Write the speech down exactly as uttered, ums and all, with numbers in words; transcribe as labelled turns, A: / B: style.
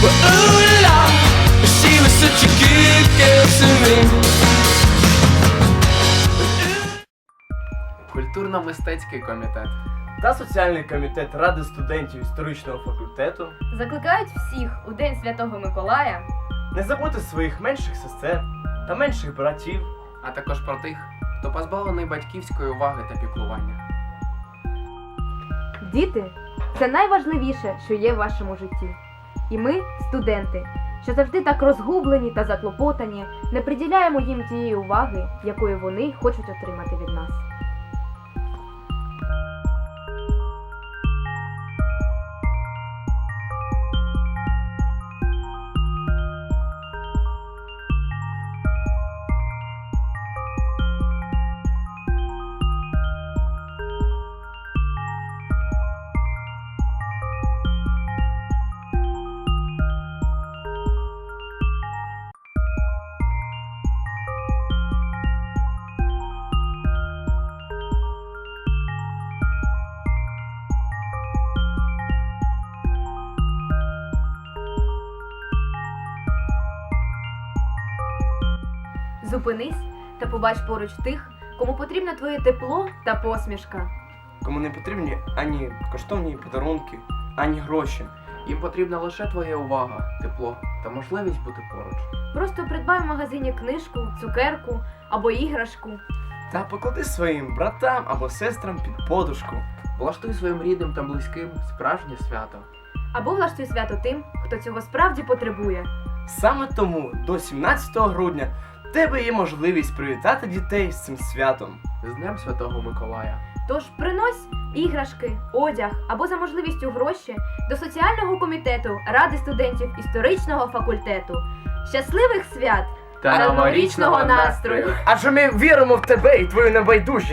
A: Well, ooh la, she was such a good girl to me.
B: Культурно-мистецький комітет.
C: Та соціальний комітет Ради студентів історичного факультету
D: Закликають всіх у День Святого Миколая
C: не забути своїх менших сестер та менших братів.
B: А також про тих, хто позбавлений батьківської уваги та піклування.
E: Діти – це найважливіше, що є в вашому житті. І ми, студенти, що завжди так розгублені та заклопотані, не приділяємо їм тієї уваги, якої вони хочуть отримати від нас.
D: зупинись та побач поруч тих, кому потрібно твоє тепло та посмішка.
C: Кому не потрібні ані коштовні подарунки, ані гроші.
B: Їм потрібна лише твоя увага, тепло та можливість бути поруч.
D: Просто придбай в магазині книжку, цукерку або іграшку.
C: Та поклади своїм братам або сестрам під подушку.
B: Влаштуй своїм рідним та близьким справжнє свято.
D: Або влаштуй свято тим, хто цього справді потребує.
C: Саме тому до сімнадцятого грудня в тебе є можливість привітати дітей з цим святом.
B: З Днем Святого Миколая.
D: Тож принось іграшки, одяг або за можливістю гроші до соціального комітету Ради студентів історичного факультету. Щасливих свят
B: Та
D: новорічного настрою!
C: Адже ми віримо в тебе і твою небайдужість.